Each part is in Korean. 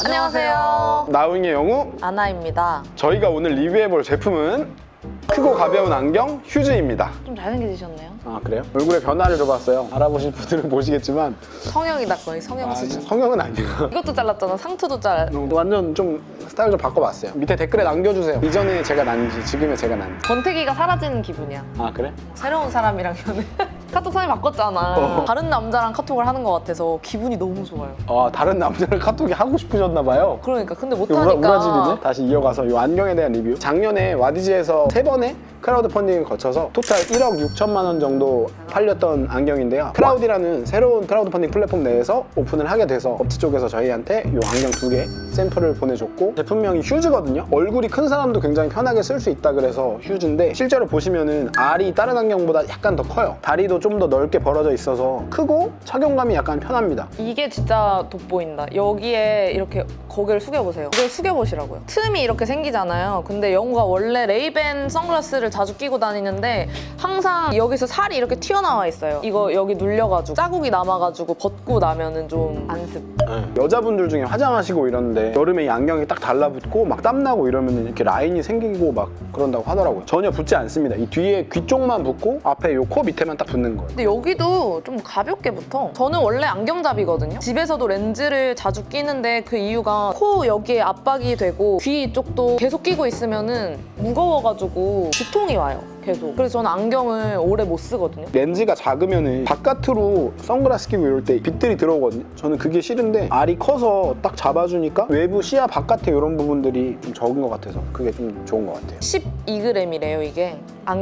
안녕하세요. 나우잉의 영우 아나입니다. 저희가 오늘 리뷰해볼 제품은 크고 가벼운 안경 휴즈입니다. 좀 잘생기셨네요. 아 그래요? 얼굴에 변화를 줘봤어요. 알아보신 분들은 보시겠지만 성형이다 거의 성형 수준. 성형은 아니에요. 이것도 잘랐잖아. 상투도 잘. 완전 좀 스타일 좀 바꿔봤어요. 밑에 댓글에 남겨주세요. 이전에 제가 난지 지금의 제가 난지. 권태기가 사라지는 기분이야. 아 그래? 새로운 사람이랑 연애. 카톡 사진 바꿨잖아. 다른 남자랑 카톡을 하는 것 같아서 기분이 너무 좋아요. 아 다른 남자를 카톡이 하고 싶으셨나봐요. 그러니까 근데 못하니까. 우라지리네? 다시 이어가서 이 안경에 대한 리뷰. 작년에 와디즈에서 3번의 크라우드 펀딩을 거쳐서 토탈 1억 6천만 원 정도 팔렸던 안경인데요. 크라우디라는 새로운 크라우드 펀딩 플랫폼 내에서 오픈을 하게 돼서 업체 쪽에서 저희한테 이 안경 2개 샘플을 보내줬고, 제품명이 휴즈거든요. 얼굴이 큰 사람도 굉장히 편하게 쓸 수 있다 그래서 휴즈인데, 실제로 보시면은 알이 다른 안경보다 약간 더 커요. 다리도 좀 더 넓게 벌어져 있어서 크고 착용감이 약간 편합니다. 이게 진짜 돋보인다. 여기에 이렇게 고개를 숙여보세요. 고개를 숙여보시라고요. 틈이 이렇게 생기잖아요. 근데 영우가 원래 레이벤 선글라스를 자주 끼고 다니는데 항상 여기서 살이 이렇게 튀어나와 있어요. 이거 여기 눌려가지고 자국이 남아가지고 벗고 나면은 좀 안습. 여자분들 중에 화장하시고 이러는데 여름에 이 안경이 딱 달라붙고 막 땀나고 이러면 이렇게 라인이 생기고 막 그런다고 하더라고요. 전혀 붙지 않습니다. 이 뒤에 귀 쪽만 붙고 앞에 요 코 밑에만 딱 붙는 거예요. 근데 여기도 좀 가볍게 붙어. 저는 원래 안경잡이거든요. 집에서도 렌즈를 자주 끼는데 그 이유가 코 여기에 압박이 되고 귀 쪽도 계속 끼고 있으면은 무거워가지고 두통이 와요. 계속. 그래서 저는 안경을 오래 못 쓰거든요. 렌즈가 작으면은 바깥으로 선글라스 끼고 이럴 때 빛들이 들어오거든요. 저는 그게 싫은데 알이 커서 딱 잡아주니까 외부 시야 바깥에 이런 부분들이 좀 적은 것 같아서 그게 좀 좋은 것 같아요. 12g이래요 이게.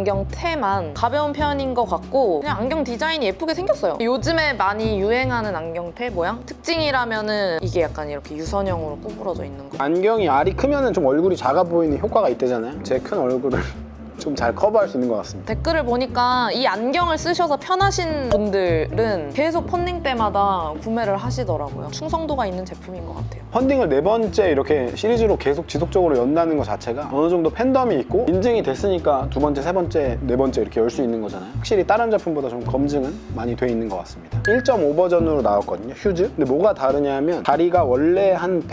안경테만 가벼운 편인 것 같고 그냥 안경 디자인이 예쁘게 생겼어요. 요즘에 많이 유행하는 안경테 모양? 특징이라면은 이게 약간 이렇게 유선형으로 구부러져 있는 거. 안경이 알이 크면은 좀 얼굴이 작아 보이는 효과가 있대잖아요. 제 큰 얼굴을 좀 잘 커버할 수 있는 것 같습니다. 댓글을 보니까 이 안경을 쓰셔서 편하신 분들은 계속 펀딩 때마다 구매를 하시더라고요. 충성도가 있는 제품인 것 같아요. 펀딩을 4번째 이렇게 시리즈로 계속 지속적으로 연다는 것 자체가 어느 정도 팬덤이 있고 인증이 됐으니까 2번째, 3번째, 4번째 이렇게 열 수 있는 거잖아요. 확실히 다른 제품보다 좀 검증은 많이 돼 있는 것 같습니다. 1.5 버전으로 나왔거든요, 휴즈. 근데 뭐가 다르냐면 다리가 원래 한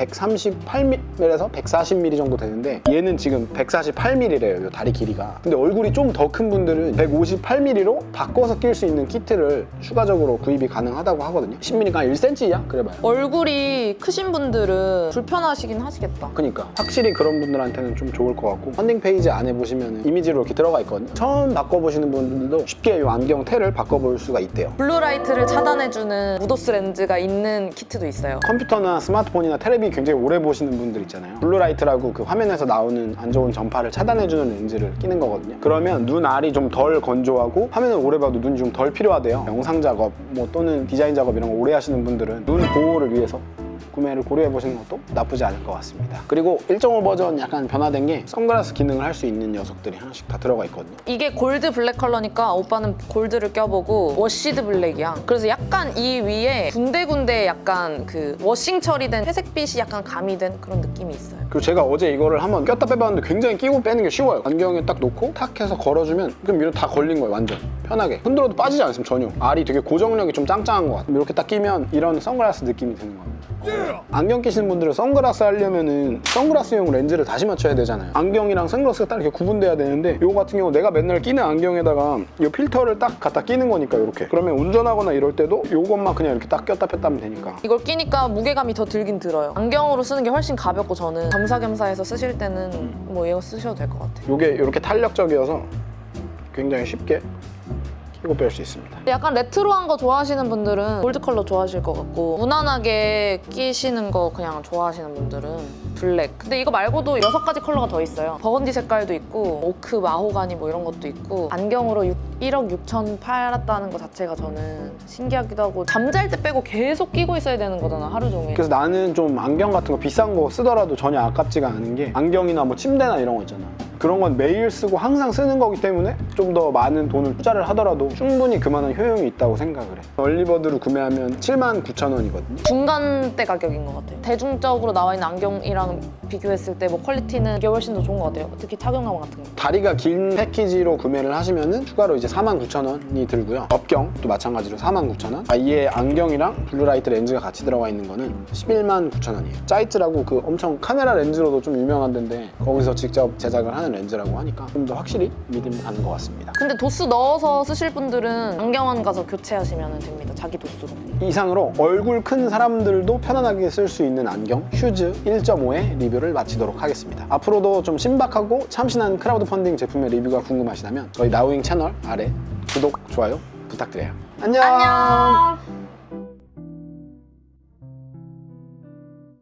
138mm에서 140mm 정도 되는데 얘는 지금 148mm래요, 이 다리 길이가. 근데 얼굴이 좀 더 큰 분들은 158mm로 바꿔서 낄 수 있는 키트를 추가적으로 구입이 가능하다고 하거든요. 10mm가 1cm야? 그래봐요. 얼굴이 크신 분들은 불편하시긴 하시겠다. 그러니까 확실히 그런 분들한테는 좀 좋을 것 같고, 펀딩 페이지 안에 보시면 이미지로 이렇게 들어가 있거든요. 처음 바꿔보시는 분들도 쉽게 이 안경 테를 바꿔볼 수가 있대요. 블루라이트를 차단해주는 무도스 렌즈가 있는 키트도 있어요. 컴퓨터나 스마트폰이나 테레비 굉장히 오래 보시는 분들 있잖아요. 블루라이트라고 그 화면에서 나오는 안 좋은 전파를 차단해주는 렌즈를 끼는 거거든요. 그러면 눈 알이 좀 덜 건조하고 화면을 오래 봐도 눈이 좀 덜 필요하대요. 영상 작업 또는 디자인 작업 이런 거 오래 하시는 분들은 눈 보호를 위해서 구매를 고려해보시는 것도 나쁘지 않을 것 같습니다. 그리고 1.5 버전 약간 변화된 게 선글라스 기능을 할 수 있는 녀석들이 하나씩 다 들어가 있거든요. 이게 골드 블랙 컬러니까 오빠는 골드를 껴보고 워시드 블랙이야. 그래서 약간 이 위에 군데군데 약간 그 워싱 처리된 회색빛이 약간 가미된 그런 느낌이 있어요. 그리고 제가 어제 이거를 한번 꼈다 빼봤는데 굉장히 끼고 빼는 게 쉬워요. 안경에 딱 놓고 탁 해서 걸어주면 그럼 이거 다 걸린 거예요. 완전 편하게. 흔들어도 빠지지 않습니다. 전혀. 알이 되게 고정력이 좀 짱짱한 것 같아요. 이렇게 딱 끼면 이런 선글라스 느낌이 드는 겁니다. 안경 끼시는 분들은 선글라스 하려면은 선글라스용 렌즈를 다시 맞춰야 되잖아요. 안경이랑 선글라스가 딱 이렇게 구분돼야 되는데 이거 같은 경우 내가 맨날 끼는 안경에다가 이 필터를 딱 갖다 끼는 거니까 이렇게. 그러면 운전하거나 이럴 때도 이것만 그냥 이렇게 딱 꼈다 뺐다 하면 되니까. 이걸 끼니까 무게감이 더 들긴 들어요. 안경으로 쓰는 게 훨씬 가볍고 저는 겸사겸사해서 쓰실 때는 뭐 이거 쓰셔도 될 것 같아요. 이게 이렇게 탄력적이어서 굉장히 쉽게 끼고 뺄 수 있습니다. 약간 레트로한 거 좋아하시는 분들은 골드 컬러 좋아하실 것 같고 무난하게 끼시는 거 그냥 좋아하시는 분들은 블랙. 근데 이거 말고도 6가지 컬러가 더 있어요. 버건디 색깔도 있고 오크, 마호가니 뭐 이런 것도 있고 안경으로 1억 6천 팔았다는 거 자체가 저는 신기하기도 하고 잠잘 때 빼고 계속 끼고 있어야 되는 거잖아, 하루 종일. 그래서 나는 좀 안경 같은 거 비싼 거 쓰더라도 전혀 아깝지가 않은 게 안경이나 뭐 침대나 이런 거 있잖아. 그런 건 매일 쓰고 항상 쓰는 거기 때문에 좀 더 많은 돈을 투자를 하더라도 충분히 그만한 효용이 있다고 생각을 해. 얼리버드로 구매하면 79,000원이거든요. 중간대 가격인 것 같아요. 대중적으로 나와 있는 안경이랑 비교했을 때 뭐 퀄리티는 이게 훨씬 더 좋은 것 같아요. 특히 착용감 같은 거. 다리가 긴 패키지로 구매를 하시면은 추가로 이제 49,000원이 들고요. 업경도 마찬가지로 49,000원. 아이의 안경이랑 블루라이트 렌즈가 같이 들어가 있는 거는 119,000원이에요. 짜이츠라고 그 엄청 카메라 렌즈로도 좀 유명한 데인데 거기서 직접 제작을 하는 렌즈라고 하니까 좀 더 확실히 믿음이 가는 것 같습니다. 근데 도수 넣어서 쓰실 분들은 안경원 가서 교체하시면 됩니다. 자기 도수로. 이상으로 얼굴 큰 사람들도 편안하게 쓸 수 있는 안경 슈즈 1.5의 리뷰를 마치도록 하겠습니다. 앞으로도 좀 신박하고 참신한 크라우드 펀딩 제품의 리뷰가 궁금하시다면 저희 나우잉 채널 아래 구독, 좋아요 부탁드려요. 안녕! 안녕!